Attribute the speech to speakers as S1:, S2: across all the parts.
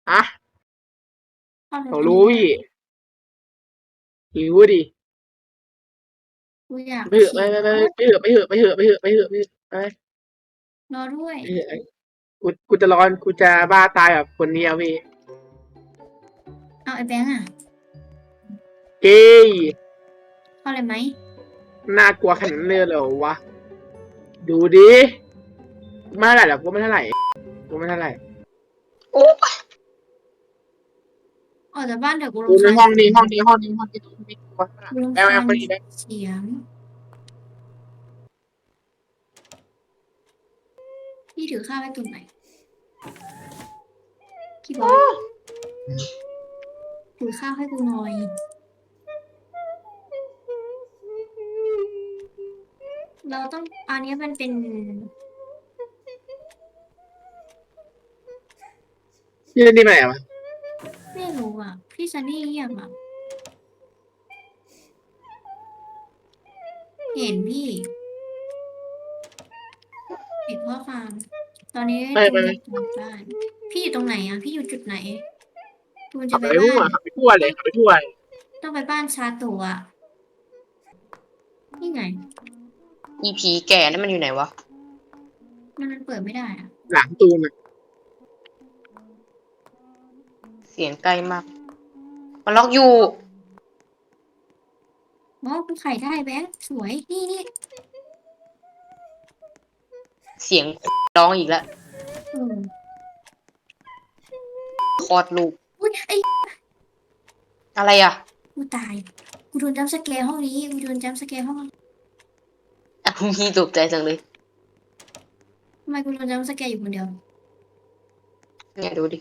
S1: อะ
S2: เข้าไป
S1: เขา
S2: ตรง
S1: รู้
S2: นี้
S1: พี่รู้ดิ
S2: กูอยาก
S1: ไปเถอะ
S2: ฉี่
S1: ไปเถอะไป
S2: รอด้วย
S1: ไปเถอะกูจะร้อนกูจะบ้าตายแบบคนนี้อะพี่
S2: อ้าวไอ้แบงค์อะ
S1: เก้ย
S2: เข้าเลยไหม
S1: น่ากลัวขนาดนั้นเลยเหรอวะ ดูดิไม่เท่าไหร่หรอกกูไม่เท่าไหร่
S3: โอ้
S2: ออกจากบ้านเดี๋ยวกู
S1: ดู
S2: รำ
S1: ใน
S2: คาญ
S1: ห้องนี้
S2: กู
S1: แบ
S2: รำ
S1: บ
S2: คาญ
S1: คนนี้
S2: เสียง พี่ถือข้าวให้กูหน่อย พี่บอส ถือข้าวให้กูหน่อย เราต้อง อันนี้มันเป็น
S1: พี่เล่นนี่มาไหนวะ
S2: ไม่รู้อะ พี่ซันนี่เงียบอะ เห็นพี่ เห็นข้อความ ตอนนี้
S1: ไป
S2: จูนจะกลับบ้าน พี่อยู่ตรงไหนอะ พี่อยู่จุดไหน จูนจะ
S1: ขับ
S2: ไป
S1: ไป
S2: บ้า
S1: ขับไปทั่วเลย
S2: ต้องไปบ้านชาโตะอะ นี่ไง
S3: อีผีแก่นั่นมันอยู่ไหนวะ
S2: มันเปิดไม่ได้อะ
S1: หลังตูนอะ
S3: เสียงใกล้มาก มันล็อกอยู่
S2: อ๋อกูไขได้แบงค์สวย นี่
S3: เสียงร้องอีกแล้ว
S2: เออ
S3: คลอดลูก
S2: อุ๊ยไอ้
S3: อะไรอ่ะ
S2: กูตาย กูโดนจัมป์สแกร์ห้องนี้ กูโดนจัมป์สแกร์ห้อง
S3: อ่ะพี่ตกใจจังเลย
S2: ทำไมกูโดนจัมป์สแกร์อยู่คนเดียว
S3: เนี่ยดูดิ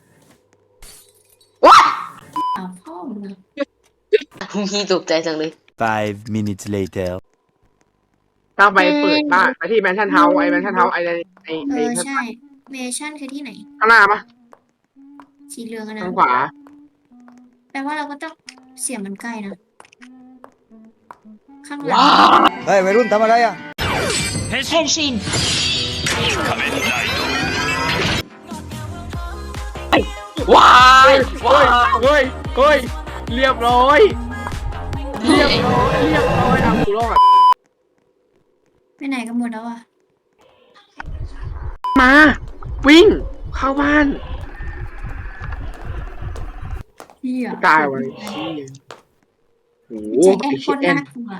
S3: ว้า
S2: อ้าวพ่อมึงอะ
S3: พี่ตกใจจังเลย
S4: 5 minutes later
S1: ต้องไปเปิดบ้านไปที่แมนชั่นเฮาส์ไอ้แมนชั่นเฮาส์ไอ้
S2: ใช่ เมชั่นคือที่ไหน
S1: ข้างหน้าปะ
S2: สีเหลืองอะนะ
S1: ทางขวา
S2: แปลว่าเราก็ต้องเสียงมันใกล้นะ ข้างหลัง
S3: ว้า
S5: เฮ้ยวัยรุ่นทำอะไรอ่ะ
S3: ว้าย
S1: เฮ้ย เรียบร้อยเอากูรอด
S2: ไปไหนกันหมดแล้วอะ
S1: มา วิ่ง เข้าบ้าน
S2: เหี้ย
S1: ตายวันโอ้โห
S2: ใจแอน
S1: ไอ้
S2: โค
S1: เชี่ย
S2: ตร
S1: แอน
S2: น่ากลัว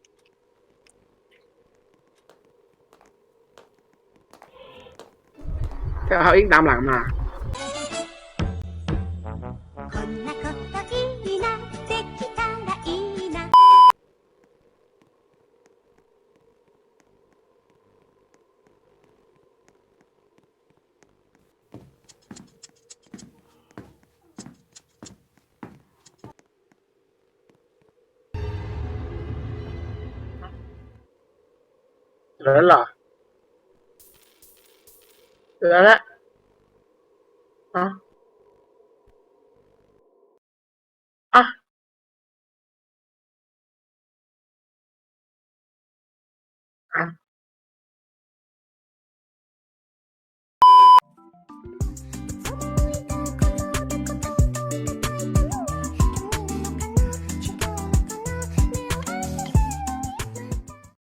S1: แต่เขาวิ่งตามหลังมา
S6: こんなこといいなできたらいいな
S1: แล้วเหรอแล้วละอ๋อ